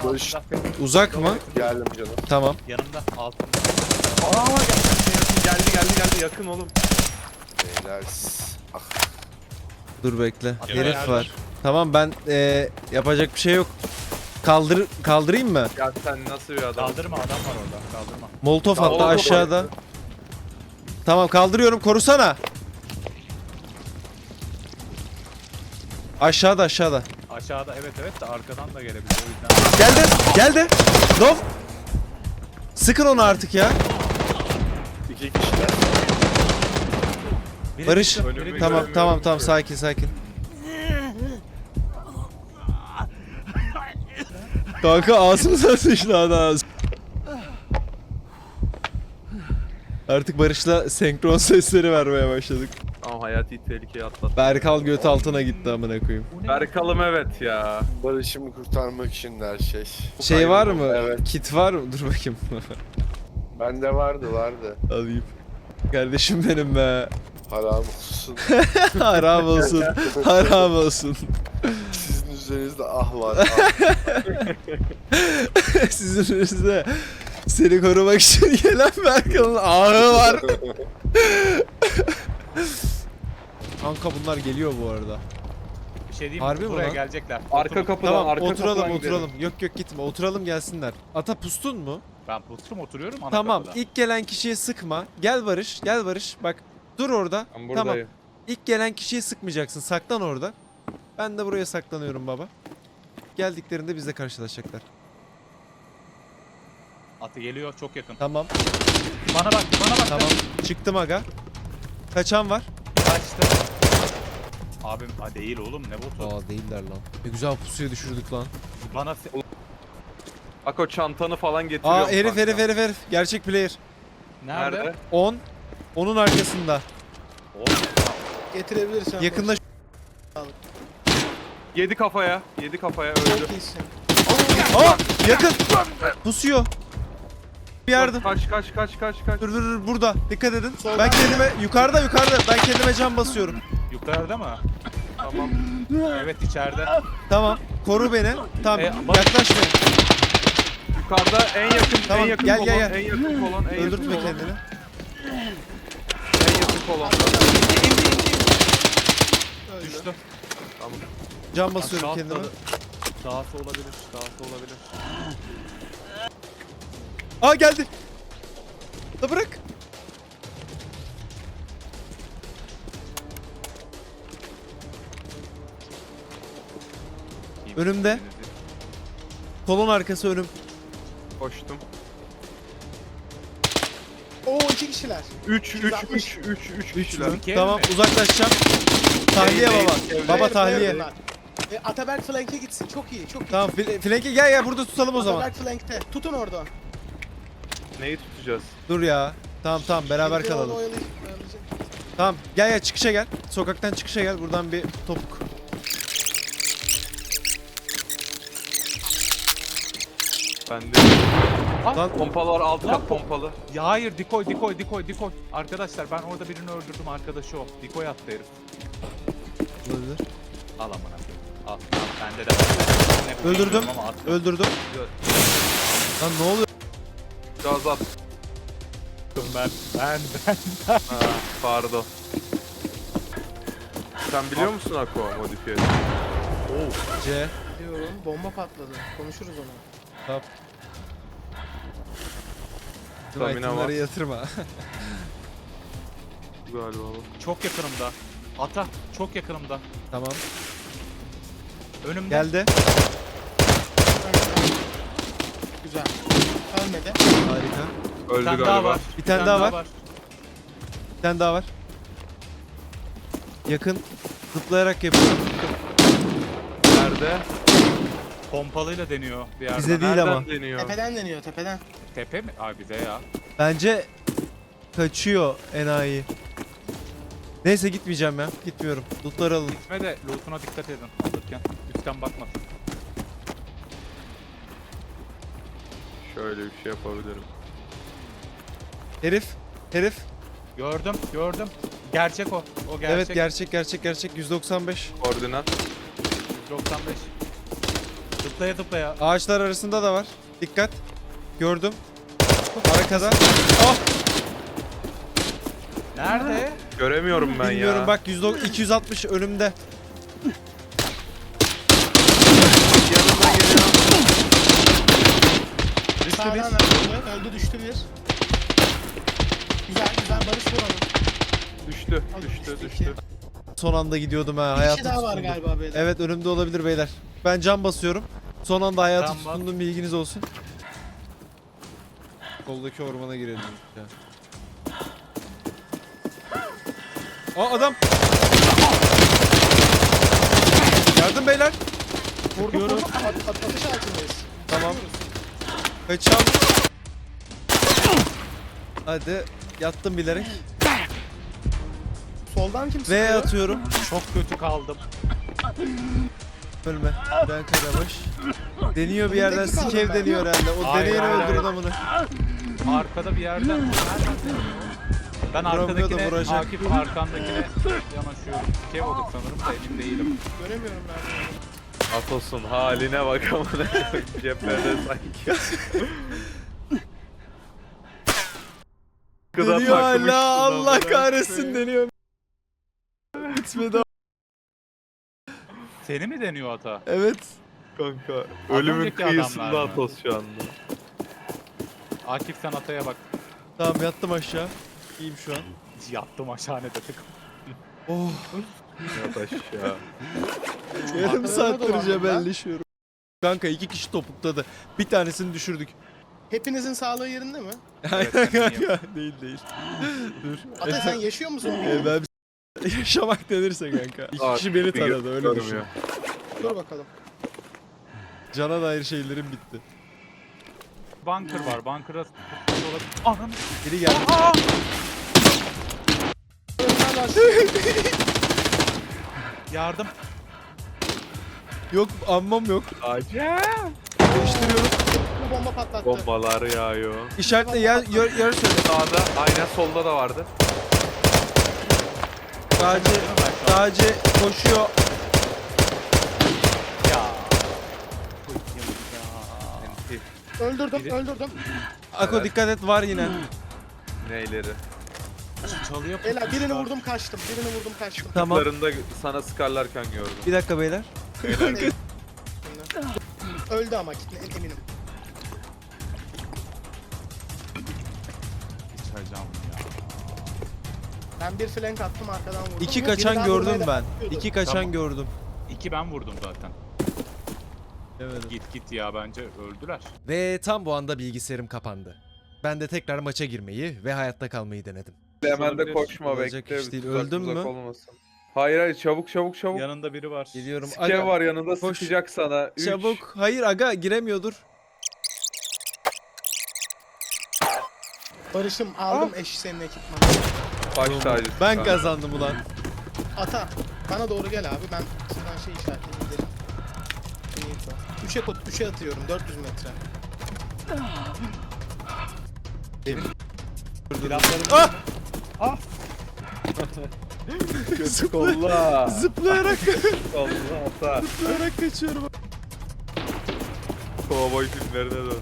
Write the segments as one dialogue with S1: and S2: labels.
S1: Barış.
S2: altında.
S3: Uzak mı?
S1: Geldim canım.
S3: Tamam.
S2: Yanımda altında.
S1: Geldi yakın oğlum. Beyler. Ah.
S3: Dur bekle.
S2: Atla
S3: Herif
S2: nerede?
S3: var. Tamam ben yapacak bir şey yok. Kaldırayım mı?
S1: Ya sen nasıl bir adam?
S2: Kaldırma, adam var orada. Kaldırma.
S3: Molotov
S1: Tamam,
S3: hatta
S1: olur.
S3: aşağıda. Tamam korusana. Aşağıda.
S2: Aşağıda evet de arkadan da gelebilir o yüzden.
S3: Geldi. Dov. Sıkın onu artık ya.
S1: İki kişiler.
S2: Biri
S3: Barış.
S2: düştü, biri
S1: Önümü
S2: düştü.
S3: Tamam sakin. Kanka ağzımıza sıçtı adam. Artık Barış'la senkron sesleri vermeye başladık.
S1: Ama hayati tehlikeye atlattı.
S3: Berkal göt altına gitti amına koyayım.
S1: Berkal'ım evet ya. Barış'ımı kurtarmak için her şey.
S3: Şey var mı?
S1: Evet.
S3: Kit var mı? Dur bakayım.
S1: Bende vardı.
S3: Alayım. Kardeşim benim be.
S1: Haram olsun.
S3: Haram olsun.
S1: Sizin üzerinizde ah var. Ah.
S3: Sizin önünüzde seni korumak için gelen Berkal'ın ahı var. Kanka bunlar geliyor bu arada.
S2: Bir şey diyeyim
S3: Harbi
S2: mi?
S3: mi
S2: Buraya
S3: lan?
S2: gelecekler.
S1: Arka
S2: Oturun.
S1: kapıdan,
S3: Tamam
S1: arka
S3: oturalım.
S1: kapıdan gidelim.
S3: Yok gitme oturalım gelsinler. Ata pustun mu?
S2: Ben oturuyorum ana
S3: Tamam
S2: kapıda.
S3: ilk gelen kişiye sıkma. Gel Barış bak dur orada.
S1: Ben
S3: Tamam
S1: buradayım.
S3: ilk gelen kişiye sıkmayacaksın, saklan orada. Ben de buraya saklanıyorum baba. Geldiklerinde bizle karşılaşacaklar.
S2: Atı geliyor çok yakın.
S3: Tamam
S2: Bana bak.
S3: tamam çıktım aga. Kaçan var?
S2: Kaçtı. Abim değil oğlum ne botu.
S3: Aa değiller lan. Ne güzel pusuya düşürdük lan.
S2: Bana
S1: Ako çantanı falan getiriyorum.
S3: Aa herif
S1: kanka.
S3: herif. Gerçek player.
S2: nerede?
S1: Nerede?
S3: 10. Onun arkasında.
S2: Oğlum,
S4: Getirebilirsen.
S3: Yakında
S1: Yedi kafaya öldü.
S4: Çok iyisin.
S3: Aa yakın. Pusuyor. Bir yardım.
S1: Kaç.
S3: Dur burada. Dikkat edin. Ben kendime yukarıda. Ben kendime can basıyorum.
S2: yukarıda mı?
S1: Tamam.
S2: Evet içeride.
S3: Tamam. Koru beni. Tamam.
S2: bak-
S3: Yaklaşmayın.
S1: Yukarıda en yakın
S3: Tamam,
S1: en yakın
S3: gel,
S1: kolon,
S3: gel.
S1: en yakın kolon, en yakın
S3: Öldürtme
S1: kolon,
S3: kendini.
S1: en yakın kolon.
S2: Düştü.
S3: Can basıyorum
S2: Aşağı
S3: kendime.
S2: atladı. Dağısı olabilir.
S3: Aa geldi. Da bırak. Önümde. Kolon arkası önüm.
S1: Koştum.
S4: Oo 2 kişiler.
S1: 3
S3: Üç
S1: kişiler.
S3: mü?
S2: İki ev
S3: Tamam
S2: mi?
S3: uzaklaşacağım. Tahliye
S1: Değil,
S3: baba.
S1: değil.
S3: Baba
S4: Player,
S3: tahliye.
S4: player bunlar. Ataberk flank'e gitsin. Çok iyi.
S3: Tamam flanke gel burada tutalım o zaman.
S4: Ataberk flank'te. Tutun orada.
S1: Neyi tutacağız?
S3: Dur ya. Tamam beraber
S4: Biri onu
S3: kalalım.
S4: oyalayacak.
S3: Tamam gel çıkışa gel. Sokaktan çıkışa gel. Buradan bir topuk.
S1: Bende.
S3: Lan
S1: Pompalar alt
S2: Lan
S1: kat pompalı.
S2: Ya hayır dikoy. Arkadaşlar ben orada birini öldürdüm arkadaşı o. Dikoy attı herif.
S3: olabilir.
S2: Al amına koyayım. Al bende de var. Ne bu
S3: Öldürdüm.
S2: bilmiyorum ama attım.
S3: Öldürdüm. Lan ne oluyor?
S1: Gaz at.
S2: Ben.
S1: Ha, pardon. Sen biliyor musun Ako modifiye?
S3: C.
S4: Diyorum. Bomba patladı. Konuşuruz onu.
S3: Tamam.
S1: Stamina var.
S3: Itemları yatırma.
S1: Galiba bu.
S2: Çok yakınımda. Ata çok yakınımda.
S3: Tamam.
S2: Önümde.
S3: Geldi.
S4: Güzel. Ölmedi.
S3: Harika.
S2: Bir
S1: Öldü
S2: tane
S1: galiba.
S2: daha var.
S3: Bir tane daha var. Bir tane daha var. Yakın. Zıplayarak yapıyorum.
S1: Nerede?
S2: Pompalıyla deniyor bir yerden.
S3: Bize değil
S1: Nereden
S3: ama.
S1: deniyor?
S4: Tepeden deniyor tepeden.
S2: Tepe mi? Abi bize ya.
S3: Bence kaçıyor enayi. Neyse gitmeyeceğim ya. Gitmiyorum. Lootları alın.
S2: Gitme de lootuna dikkat edin alırken. Üstten bakmasın.
S1: Şöyle bir şey yapabilirim.
S3: Herif.
S2: Gördüm. Gerçek o. O gerçek.
S3: Evet gerçek 195.
S1: Koordinat.
S2: 195. Zıplaya zıplaya.
S3: Ağaçlar arasında da var. Dikkat. Gördüm. Arkada. Ah!
S2: Nerede?
S1: Göremiyorum ben
S3: Bilmiyorum
S1: ya.
S3: bak 260 önümde.
S1: Yanıma geliyor.
S2: Düştü
S4: Sağdan
S2: bir.
S4: öldü düştü bir. Güzel güzel Barış vur onu.
S1: Düştü,
S4: Al,
S1: düştü,
S4: düştü
S1: düştü.
S3: Son anda gidiyordum ha.
S4: Bir
S3: Hayatım
S4: kişi daha var
S3: tutundu.
S4: galiba beyler.
S3: Evet önümde olabilir beyler. Ben cam basıyorum. Son anda hayatı
S2: Cam bas.
S3: tutundum, bilginiz olsun. Soldaki ormana girelim ya. Aa adam. Yardım beyler.
S4: Vurduk vurduk. Atış altındayız.
S3: Tamam. Kaçam. Hadi yattım bilerek.
S4: Soldan kim
S3: V
S4: sıkıyor?
S3: atıyorum.
S2: Çok kötü kaldım.
S3: Ölme. Ben Karabaş. Deniyor bir yerden,
S4: Önündeki
S3: sikev
S4: kaldım ben.
S3: deniyor herhalde. O
S2: Hayır,
S3: deneyeni
S2: hayır,
S3: öldürün
S2: hayır.
S3: amına.
S2: Arkada bir yerden. Nereden deniyor? Ben
S3: Vuramıyor da
S2: arkadakine,
S3: vuracak.
S2: Akif arkandakine yanaşıyorum. Kev olur sanırım da emin değilim.
S4: Göremiyorum ben.
S1: Atos'un haline bak amına. Cephede sanki. Gıda
S3: Deniyor
S1: takmışsın
S3: hala, Allah
S1: amına
S3: kahretsin
S1: koyayım.
S3: deniyor. Bitmedi.
S2: Seni mi deniyor ata?
S3: Evet.
S1: Kanka ölümün
S2: önceki
S1: kıyısında
S2: adamlar mı?
S1: Atos şu anda.
S2: Akif sen ataya bak.
S3: Tamam yattım aşağı. İyiyim şu an.
S2: Yattım aşağı ne dedik.
S3: Oh.
S1: Yat aşağı.
S3: Yarım
S4: Arkalarına
S3: saattir
S4: dolandım ben.
S3: cebelleşiyorum. Kanka 2 kişi topukladı. Bir tanesini düşürdük.
S4: Hepinizin sağlığı yerinde mi?
S3: Aynen
S2: ben iyiyim.
S3: kanka. Değil değil. Dur.
S4: Ata sen yaşıyor musun?
S3: Ben yaşamak denirse kanka. İki kişi beni taradı öyle düşün.
S4: Dur bakalım.
S3: Cana dair şeylerim bitti.
S2: Bunker var. Bunker'a olabilir. Anam.
S3: Biri geldi.
S2: Aa!
S4: Önden var.
S2: Yardım.
S3: Yok ammam yok.
S1: Acayip.
S3: Değiştiriyorum.
S4: Bu bomba patlattı.
S1: Bombalar yağıyor.
S3: İşaretle yer söyle.
S1: Sağda, aynen solda da vardı.
S3: Dağcı koşuyor.
S2: Ya.
S4: Öldürdüm
S2: Biri-
S4: öldürdüm.
S3: Ako
S1: Evet.
S3: dikkat et var yine.
S1: Neyleri?
S2: Çalıyor.
S4: Beyler birini vurdum kaçtım. Birini vurdum kaçtım.
S3: Tamam.
S1: Kutlarında sana sıkarlarken gördüm.
S3: Bir dakika beyler.
S4: Öldü ama eminim.
S2: Sıçacağım ya.
S4: Ben bir flank attım arkadan vurdum.
S3: İki
S4: Biri
S3: kaçan
S4: daha
S3: gördüm
S4: vurmaya
S3: ben.
S4: devam ediyordu.
S3: İki kaçan
S2: Tamam.
S3: gördüm.
S2: 2 ben vurdum zaten.
S3: Evet.
S2: Git ya bence öldüler.
S3: Ve tam bu anda bilgisayarım kapandı. Ben de tekrar maça girmeyi ve hayatta kalmayı denedim.
S1: Hemen de
S2: Olabilir.
S1: koşma
S3: Olacak
S1: bekle.
S3: iş değil.
S1: tuzak
S3: Öldün
S1: muzak
S3: mü?
S1: olmasın. Hayır hayır çabuk.
S2: Yanında biri var.
S3: Geliyorum.
S1: Skev var yanında
S3: koş.
S1: sıkacak sana. 3.
S3: Çabuk. Hayır aga giremiyordur.
S4: Barış'ım aldım eş senin ekipmanı.
S1: Baş tacısın
S3: Ben
S1: kanka.
S3: kazandım ulan.
S4: Ata bana doğru gel abi ben şuradan şey işaretleyeyim gidelim. 3'e atıyorum 400 metre.
S2: Silahlarım
S3: Ah!
S1: Kötü kolla.
S3: Zıplayarak
S1: Kolla ata.
S3: zıplayarak kaçıyorum.
S1: Kovboy filmlerine döndü.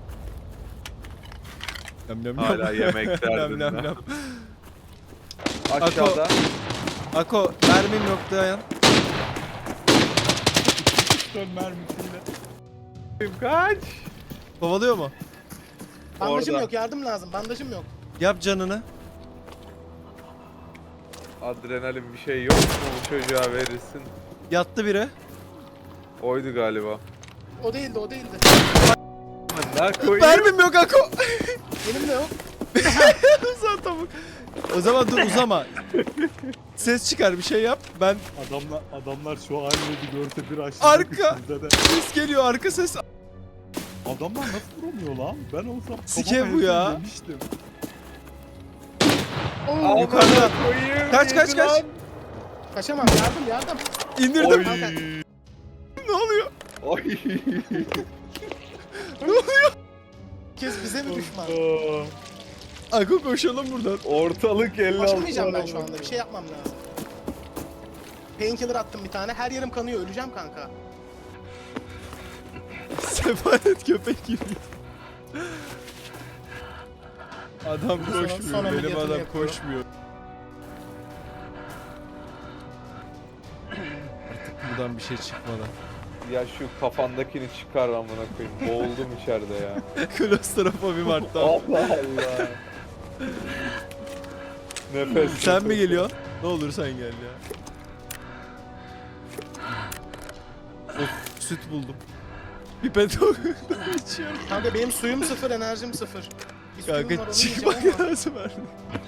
S3: Nam nam
S1: Hala yemek
S3: nam
S1: derdinde.
S3: nam nam.
S1: Aşağıda.
S3: Ako mermim yok dayan.
S2: dön mermisiyle.
S1: Kaç.
S3: Kovalıyor mu?
S4: Bandajım
S1: Orada.
S4: yok yardım lazım bandajım yok.
S3: Yap canını.
S1: Adrenalin bir şey yok mu bu çocuğa verirsin?
S3: Yattı biri.
S1: Oydu galiba.
S4: O değildi o değildi.
S1: Ne koyayım?
S3: Mermim yok Ako.
S4: Benim de yok.
S3: Uzan tavuk. O zaman dur uzama. Ses çıkar bir şey yap. Ben
S2: Adamlar şu halini bir görse bir açtı.
S3: Arka. ses geliyor arka ses.
S2: Adamlar nasıl vuramıyor lan? Ben olsam
S3: Sike
S2: kafama
S3: bu ya.
S2: hepsini yemiştim.
S4: Oo,
S3: Yukarıda.
S1: Koyayım,
S3: Kaç kaç
S1: yedi
S3: kaç.
S1: lan.
S4: kaçamam yardım.
S3: İndirdim.
S1: Oy.
S4: Kanka.
S3: Ne oluyor?
S1: Oy.
S4: Herkes bize mi düşman?
S3: Ako koşalım buradan.
S1: Ortalık 56.
S4: Başlamayacağım ben şu anda bir şey yapmam lazım. Painkiller attım bir tane her yerim kanıyor öleceğim kanka.
S3: Sefalet köpek gibi. Adam
S4: Sonra-
S3: koşmuyor.
S4: sonra
S3: Benim
S4: ameliyatını
S3: adam
S4: yapıyorum.
S3: koşmuyor. Artık buradan bir şey çıkmadan.
S5: Ya şu kafandakini çıkar amına koyayım. Boğuldum içeride ya.
S3: Klostrofobim arttı.
S5: Allah Allah. Nefes.
S3: Sen mi geliyorsun? Ne olur sen gel ya. Of, süt buldum. Pipet içiyorum.
S4: Kanka benim suyum sıfır, enerjim sıfır. Bir suyum var,
S3: Kanka
S4: onu
S3: çıkmak
S4: yiyeceğim ama.
S3: lazım artık.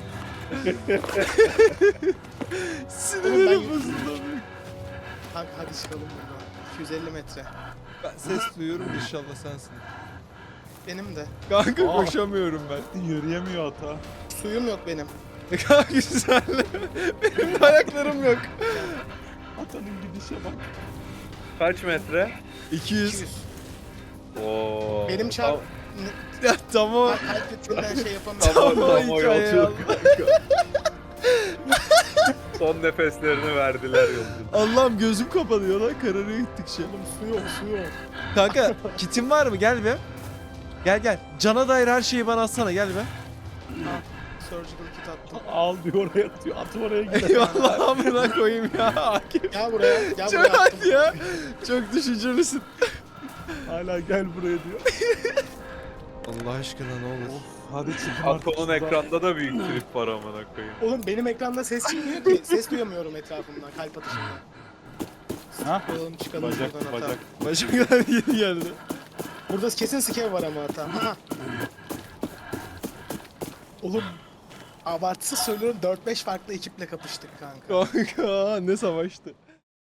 S4: Oğlum
S3: Sinirlerim
S4: ben-
S3: bozuldu.
S4: Kanka hadi çıkalım buradan. 250 metre.
S3: Ben ses duyuyorum inşallah sensin.
S4: Benim de.
S3: Kanka
S2: Aa.
S3: koşamıyorum ben.
S2: Yürüyemiyor ata.
S4: Suyum yok benim.
S3: Kanka güzel. Benim ayaklarım yok.
S2: Atanın gidişe bak.
S5: Kaç metre?
S3: 200.
S4: 200.
S5: Oo.
S4: Benim çarp...
S3: Ya tamam.
S4: Kalp ritminden şey yapamıyorum.
S5: Tamam,
S3: Tamam
S5: tamam,
S3: hikaye
S5: yolculuk.
S3: Allah.
S5: Son nefeslerini verdiler yolculuk.
S3: Allah'ım gözüm kapanıyor lan kararıyor gittikçe.
S4: Oğlum su yok, su yok.
S3: Kanka kitin var mı? Gel be. Gel gel. Cana dair her şeyi bana atsana gel be.
S4: Ha, surgical kit attım.
S2: Al diyor oraya atıyor. At oraya gidiyor.
S3: Eyvallah amına koyayım ya. Akif.
S4: Gel buraya, gel
S3: Çok
S4: buraya attım.
S3: hadi ya. Çok düşüncelisin.
S2: Hala gel buraya diyor.
S3: Allah aşkına ne olur.
S2: Hadi çıkın artık
S5: Atom'un
S2: şuradan.
S5: ekranda da büyük trip var amına koyayım.
S4: Oğlum benim ekranda ses çıkmıyor ki. Ses duyamıyorum etrafımdan, kalp atışından.
S2: Ha?
S4: Çıkalım, çıkalım
S2: Bacak
S4: buradan hata.
S2: bacak.
S3: Başımdan yeni geldi.
S4: Burada kesin skev var ama hata. Aha. Oğlum abartısız söylüyorum 4-5 farklı ekiple kapıştık kanka.
S3: Kanka ne savaştı.